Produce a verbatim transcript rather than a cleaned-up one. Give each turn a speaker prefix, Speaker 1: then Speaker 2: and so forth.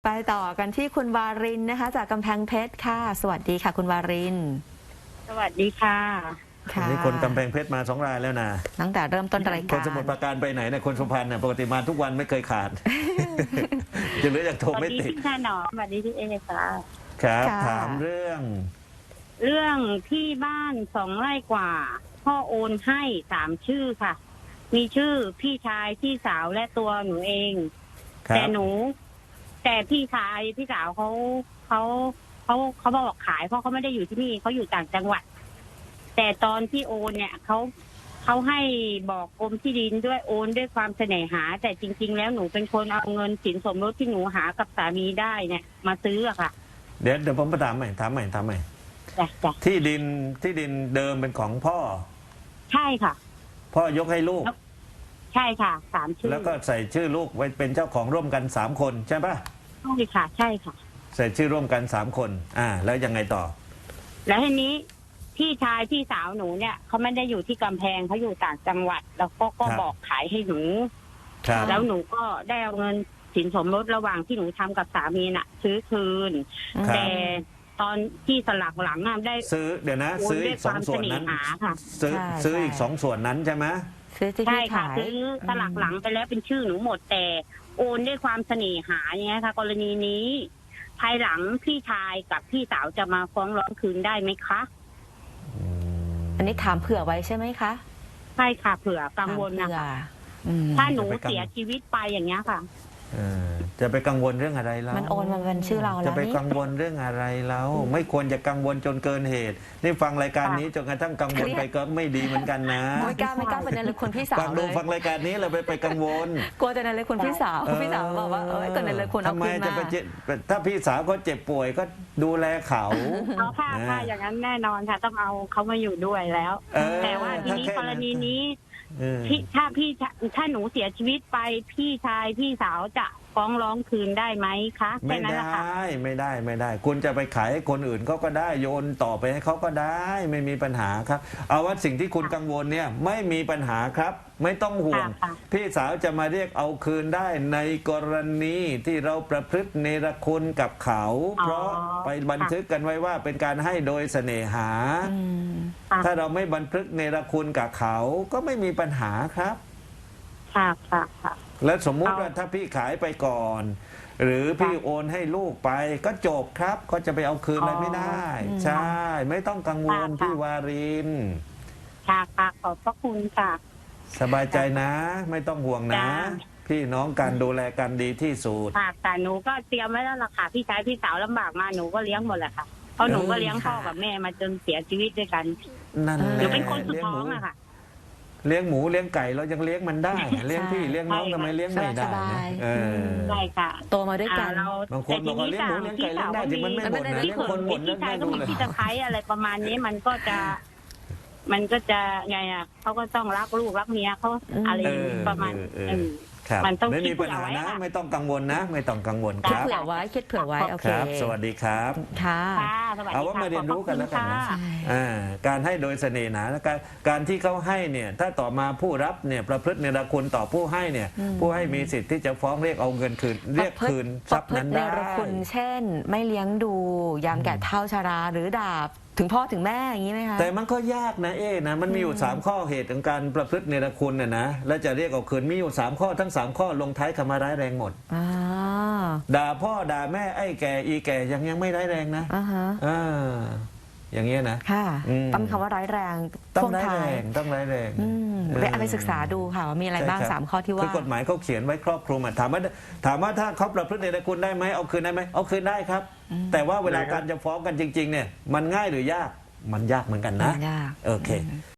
Speaker 1: ไปต่อกันที่คุณวารินนะคะจากกำแพงเพชรค่ะสวัสดีค่ะคุณวาริน
Speaker 2: สวัสดีค่ะ
Speaker 1: ค่ะ
Speaker 3: นี่คนกำแพงเพชรมาสองรายแล้วนะ
Speaker 1: ตั้งแต่เริ่มต้นรายการ
Speaker 3: คนสมุทรปราการไปไหนเนี่ยคนสุพรรณเนี่ยปกติมาทุกวันไม่เคยขาดจะเหลือจากโทรไม่ติด
Speaker 2: สวัสดีพี่ชายหนอสวัสดีพี่เอค่ะ
Speaker 3: ครับถามเรื่อง
Speaker 2: เรื่องที่บ้านสองไร่กว่าพ่อโอนให้สามชื่อค่ะ มีชื่อพี่ชายพี่สาวและตัวหนูเองแต่หนู แต่พี่ชายพี่สาวเขาเขาเขาเขาบอกขายเพราะเขาไม่ได้อยู่ที่นี่เขาอยู่ต่างจังหวัดแต่ตอนที่โอนเนี่ยเขาเขาให้บอกกรมที่ดินด้วยโอนด้วยความเสน่หาแต่จริงๆแล้วหนูเป็นคนเอาเงินสินสมรสที่หนูหากับสามีได้เนี่ยมาซื้ออะค่ะ
Speaker 3: เดี๋ยวเดี๋ยวผมมาถามใหม่ถามใหม่ถามใหม่ที่ดินที่ดินเดิมเป็นของพ่อ
Speaker 2: ใช่ค่ะ
Speaker 3: พ่อยกให้ลูก
Speaker 2: ใช่ค่ะสามชื่อ
Speaker 3: แล้วก็ใส่ชื่อลูกไว้เป็นเจ้าของร่วมกันสามคนใช่ปะ
Speaker 2: ใช่ค่ะใช่ค่ะ
Speaker 3: ใส่ชื่อร่วมกันสามคนอ่าแล้วยังไงต่อ
Speaker 2: แล้วทีนี้พี่ชายพี่สาวหนูเนี่ยเขาไม่ได้อยู่ที่กำแพงเขาอยู่ต่างจังหวัดแล้วก็ก็บอกขายให้หนูแล้วหนูก็ได้เอาเงินสินสมรสระหว่างที่หนูทำกับสามีน่ะซื้อคืนแต่ตอนที่สลักหลังอ่ะได้
Speaker 3: ซื้อเดี๋ยวนะซื้ออีกสองส่วนนั้นซื้อซื้ออีกสองส่วนนั้นใช่ไหม
Speaker 2: ใช่ค่ะซื้อสลักหลังไปแล้วเป็นชื่อหนูหมดแต่โอนด้วยความเสน่หาอย่างเงี้ยค่ะกรณีนี้ภายหลังพี่ชายกับพี่สาวจะมาฟ้องร้องคืนได้ไหมคะ
Speaker 1: อันนี้ถามเผื่อไว้ใช่ไหมคะ
Speaker 2: ใช่ค่ะเผื่อกังวลนะคะถ้าหนูเสียชีวิตไปอย่างเงี้ยค่ะ
Speaker 3: จะไปกังวลเรื่องอะไรแล้ว
Speaker 1: มันโอนมาเป็นชื่อเราแล้ว
Speaker 3: จะไปกังวลเรื่องอะไรแล้วไม่ควรจะกังวลจนเกินเหตุนี่ฟังรายการนี้จนกระทั่งกังวลไปก็ไม่ดีเหมือนกันนะ
Speaker 1: ไม่กล้าไม่กล้าเป็นในเลยคนพี่สาว
Speaker 3: ฟังดูฟังรายการนี้เราไปไปกังวล
Speaker 1: กลัวจะในเลยคนพี่สาวพี่สาวบอกว่าเออก็ในเลยคนเอาคืนมา
Speaker 3: ทำไมจะไปถ้าพี่สาวก็เจ็บป่วยก็ดูแลเขา
Speaker 2: เอาค่ะค่ะอย่างนั้นแน่นอนค่ะต้องเอาเขามาอยู่ด้วยแล้วแต่ว่าทีนี้กรณีนี้พี่ถ้าพี่ถ้าหนูเสียชีวิตไปพี่ชายพี่สาวจะฟ้องร้องคืนได้ไหมคะ
Speaker 3: ไม่ได้ไม่ได้ไม่ได้คุณจะไปขายให้คนอื่นเขาก็ได้โยนต่อไปให้เขาก็ได้ไม่มีปัญหาครับเอาว่าสิ่งที่คุณกังวลเนี่ยไม่มีปัญหาครับไม่ต้องห่วงพี่สาวจะมาเรียกเอาคืนได้ในกรณีที่เราประพฤติเนรคุณกับเขาเพราะไปบันทึกกันไว้ว่าเป็นการให้โดยเสน่หาถ้าเราไม่บันทึกเนรคุณกับเขาก็ไม่มีปัญหาครับ
Speaker 2: ค่ะค่ะค่ะ
Speaker 3: แล้วสมมุติว่าถ้าพี่ขายไปก่อนหรือพี่โอนให้ลูกไปก็จบครับก็จะไปเอาคืนอะไรไม่ได้ใช่ไม่ต้องกังวลพี่วาริน
Speaker 2: ค่ะค่ะขอบพระคุณค่ะ
Speaker 3: สบายใจนะไม่ต้องห่วงนะพี่น้องกันดูแลกันดีที่สุด
Speaker 2: ค่ะแต่หนูก็เตรียมไว้แล้วล่ะค่ะพี่ชายพี่สาวลำบากมาหนูก็เลี้ยงหมดแหละค่ะเพราะหนูก็เลี้ยงพ่อกับแม่มาจนเสียชีวิตด้วยกัน
Speaker 3: นั่น
Speaker 2: หนูเป็นคนสุดท้องอะค่ะ
Speaker 3: เลี้ยงหมูเลี้ยงไก่เรายังเลี้ยงมันได้เลี้ยงพี่เลี้ยงน้องทำไมเลี้ยงไม่ได้
Speaker 1: เออ
Speaker 2: ได้ค่ะ
Speaker 1: โตมาด้วยกัน
Speaker 3: บางคนบอกว่าเลี้ยงหมูเลี้ยงไก่เลี้ยงได้แต่มันไม่หมดนะเลี้ยงคนหมด
Speaker 2: พี่ชายก็มีพี่ตะไคร้อะไรประมาณนี้มันก็จะมันก็จะไงอ่ะเขาก็ต้องรักลูกรักเมียเขาอะไรประมาณ
Speaker 3: มันต้องไม่มีปัญหานะไม่ต้องกังวลนะไม่ต้องกังวลครับ
Speaker 1: คิดเผื่อไว้คิดเผื่อไว้โอเค
Speaker 3: สวัสดีครับ
Speaker 1: ค่ะ
Speaker 3: เอาว่ามาเรียนรู้กันแล้วกันนะการให้โดยเสน่ห์หนาการการที่เขาให้เนี่ยถ้าต่อมาผู้รับเนี่ยประพฤติเนรคุณต่อผู้ให้เนี่ยผู้ให้มีสิทธิ์ที่จะฟ้องเรียกเอาเงินคืนเรียกคืนทรัพย์นั้นได้
Speaker 1: เนรคุณเช่นไม่เลี้ยงดูยามแก่เฒ่าชราหรือดาบถึงพ่อถึงแม่อย่างนี้ไหมคะ
Speaker 3: แต่มันก็ยากนะเอ๊นะมันมีอยู่สามข้อเหตุของการประพฤติเนรคุณน่ะนะแล้วจะเรียกเอาคืนมีอยู่สามข้อทั้งสามข้อลงท้ายคำว่าร้ายแรงหมดด่าพ่อด่าแม่ไอ้แก่อีแก่ยังยังไม่ร้ายแรงนะอ่าอย่างเงี้ยนะ
Speaker 1: ค่ะต้องคำว่าร้ายแรง
Speaker 3: ต้องร้ายแรงต้องร้ายแรง
Speaker 1: ไปเอาไปศึกษาดูค่ะว่ามีอะไรบ้างสามข้อที่ว่า
Speaker 3: คือกฎหมายเขาเขียนไว้ครอบคลุมถามว่าถามว่าถ้าเขาประพฤติเนรคุณได้ไหมเอาคืนได้ไหมเอาคืนได้ครับแต่ว่าเวลาการจะฟ้องกันจริงๆเนี่ยมันง่ายหรือยากมันยากเหมือนกันนะ
Speaker 1: ยาก
Speaker 3: โอเค